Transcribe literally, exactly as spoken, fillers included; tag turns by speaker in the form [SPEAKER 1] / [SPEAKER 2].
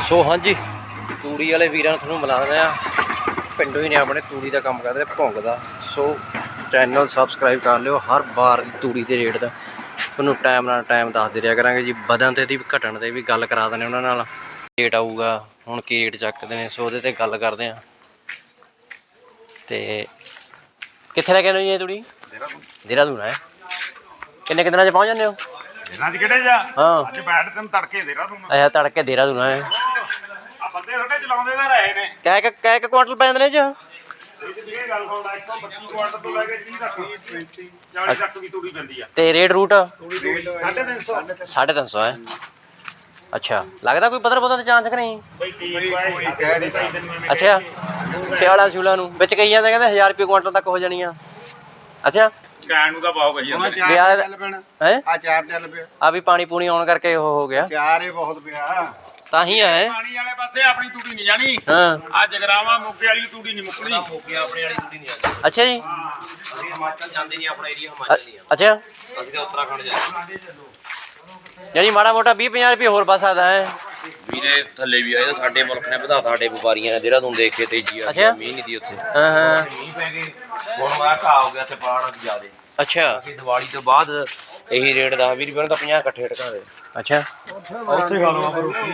[SPEAKER 1] ਸੋ ਹਾਂਜੀ ਤੂੜੀ ਵਾਲੇ ਵੀਰਾਂ ਨੂੰ ਤੁਹਾਨੂੰ ਮਿਲਾ ਦਿੰਦੇ ਆ, ਪਿੰਡੋਂ ਹੀ ਨੇ ਆਪਣੇ, ਤੂੜੀ ਦਾ ਕੰਮ ਕਰਦੇ ਭੁੰਗ ਦਾ। ਸੋ ਚੈਨਲ ਸਬਸਕ੍ਰਾਈਬ ਕਰ ਲਿਓ, ਹਰ ਵਾਰ ਤੂੜੀ ਦੇ ਰੇਟ ਦਾ ਤੁਹਾਨੂੰ ਟਾਈਮ ਨਾਲ ਟਾਈਮ ਦੱਸਦੇ ਰਿਹਾ ਕਰਾਂਗੇ ਜੀ, ਵਧਣ ਤੇ ਦੀ ਘਟਣ ਤੇ ਵੀ ਗੱਲ ਕਰਾ ਦਿੰਦੇ ਉਹਨਾਂ ਨਾਲ। ਰੇਟ ਆਊਗਾ ਹੁਣ ਕੀ ਰੇਟ ਚੱਕਦੇ ਨੇ, ਸੋ ਉਹਦੇ ਤੇ ਗੱਲ ਕਰਦੇ ਆ। ਤੇ ਕਿੱਥੇ ਲੈ ਕੇ ਆਉਂਦੇ ਜੀ ਇਹ ਤੂੜੀ? ਦੇਹਰਾਦੂਨ ਹੈ। ਕਿੰਨੇ ਕੁ ਦਿਨਾਂ 'ਚ ਪਹੁੰਚ ਜਾਂਦੇ ਹੋ?
[SPEAKER 2] ਦਿਨਾਂ 'ਚ ਕਿਹੜੇ ਜਾ?
[SPEAKER 1] ਹਾਂ
[SPEAKER 2] ਅੱਜ ਬੈਠ ਤੈਨੂੰ ਤੜਕੇ ਦੇਹਰਾਦੂਨ।
[SPEAKER 1] ਅੱਛਾ ਤੜਕੇ ਦੇਹਰਾਦੂਨ ਹੈ।
[SPEAKER 2] ਆ ਬੰਦੇ ਸਾਡੇ ਚਲਾਉਂਦੇ ਤਾਂ ਰਹੇ ਨੇ।
[SPEAKER 1] ਕਹਿ ਕੇ ਕਹਿ ਕੇ ਕੁਆਂਟਲ ਪੈ ਜਾਂਦੇ ਨੇ ਜੀ?
[SPEAKER 2] ਇਹ ਗੱਲ ਸੁਣ ਲੈ, ਇੱਕ ਸੌ ਪੱਚੀ ਕੁਆਂਟਲ ਤੋਂ ਲੈ ਕੇ ਤੀਹ ਤੱਕ ਚਾਲੀ ਤੱਕ ਦੀ ਤੂੜੀ ਪੈਂਦੀ ਆ।
[SPEAKER 1] ਤੇ ਰੇਟ ਰੂਟ?
[SPEAKER 2] ਸਾਢੇ ਤਿੰਨ ਸੌ।
[SPEAKER 1] ਸਾਢੇ ਤਿੰਨ ਸੌ ਹੈ। ਅੱਛਾ ਲੱਗਦਾ ਕੋਈ ਪੱਧਰ ਪੁੱਧਰ ਤੇ ਚਾਂਸ ਕਿ ਨਹੀਂ?
[SPEAKER 2] ਬਈ ਠੀਕ ਹੈ।
[SPEAKER 1] ਅੱਛਾ ਸਿਆਲਾ ਸਿਊਲਾ ਨੂੰ ਵਿੱਚ ਕਹੀ ਜਾਂਦੇ ਕਹਿੰਦੇ ਹਜ਼ਾਰ ਰੁਪਏ ਕੁਆਂਟਲ ਤੱਕ ਹੋ ਜਾਣੀ ਆ। ਅੱਛਾ
[SPEAKER 2] ਕਹਿਣ ਨੂੰ ਤਾਂ ਬਹੁਤ ਕਹੀ ਜਾਂਦੇ ਨੇ।
[SPEAKER 1] ਵਿਆਹ
[SPEAKER 3] ਚੱਲ ਪੈਣਾ
[SPEAKER 1] ਹੈ
[SPEAKER 3] ਆ ਚਾਰ ਚੱਲ ਪਿਆ।
[SPEAKER 1] ਆ ਵੀ ਪਾਣੀ ਪੂਣੀ ਆਉਣ ਕਰਕੇ ਉਹ ਹੋ ਗਿਆ,
[SPEAKER 3] ਚਾਰ ਹੀ ਬਹੁਤ ਪਿਆ।
[SPEAKER 1] ਤਾਂ ਹੀ ਹੈ।
[SPEAKER 2] ਪਾਣੀ ਵਾਲੇ ਪਾਸੇ ਆਪਣੀ ਤੂੜੀ ਨਹੀਂ ਜਾਣੀ।
[SPEAKER 1] ਹਾਂ
[SPEAKER 2] ਆ ਜਗਰਾਵਾਂ ਮੋਗੇ ਵਾਲੀ ਤੂੜੀ ਨਹੀਂ ਮੁੱਕਣੀ।
[SPEAKER 4] ਮੋਗੇ ਆਪਣੇ ਵਾਲੀ ਤੂੜੀ ਨਹੀਂ ਆਉਂਦੀ।
[SPEAKER 1] ਅੱਛਾ ਜੀ
[SPEAKER 4] ਅਸੀਂ ਹਿਮਾਚਲ ਜਾਂਦੇ ਨਹੀਂ, ਆਪਣਾ ਏਰੀਆ ਹਿਮਾਚਲ ਨਹੀਂ ਆ।
[SPEAKER 1] ਅੱਛਾ
[SPEAKER 4] ਅਸੀਂ ਤਾਂ ਉੱਤਰਾਖੰਡ ਜਾਂਦੇ।
[SPEAKER 1] ਯਾਨੀ ਮਾੜਾ ਮੋਟਾ ਵੀਹ ਪੰਜਾਹ ਰੁਪਏ ਹੋਰ ਵੱਧ ਸਕਦਾ ਹੈ।
[SPEAKER 4] ਵੀਰੇ ਥੱਲੇ ਵੀ ਆਏ ਤਾਂ ਸਾਡੇ ਮੁਲਕ ਨੇ ਵਧਾਤਾ, ਸਾਡੇ ਵਪਾਰੀਆਂ ਨੇ ਦੇਹਰਾਦੂਨ ਦੇਖ ਕੇ ਤੇਜ਼ੀ ਆ
[SPEAKER 1] ਅੱਛਾ।
[SPEAKER 4] ਗਈ, ਮੀਂਹ ਨਹੀਂ ਦੀ ਉੱਥੇ।
[SPEAKER 1] ਹਾਂ ਹਾਂ
[SPEAKER 4] ਮੀਂਹ ਪੈ ਗਏ ਹੁਣ ਮੈਂ ਘਾ ਹੋ ਗਿਆ ਤੇ ਪਾੜ ਜ਼ਿਆਦੇ।
[SPEAKER 1] ਅੱਛਾ
[SPEAKER 4] ਅਸੀਂ ਦੀਵਾਲੀ ਤੋਂ ਬਾਅਦ ਇਹੀ ਰੇਟ ਦਸ ਵੀਹ ਰੁਪਏ ਨੂੰ ਤਾਂ ਪੰਜਾਹ ਇਕੱਠੇ ਟਕਾ ਦੇ।
[SPEAKER 1] ਅੱਛਾ
[SPEAKER 4] ਉੱਥੇ ਖਾ ਲਵਾਂ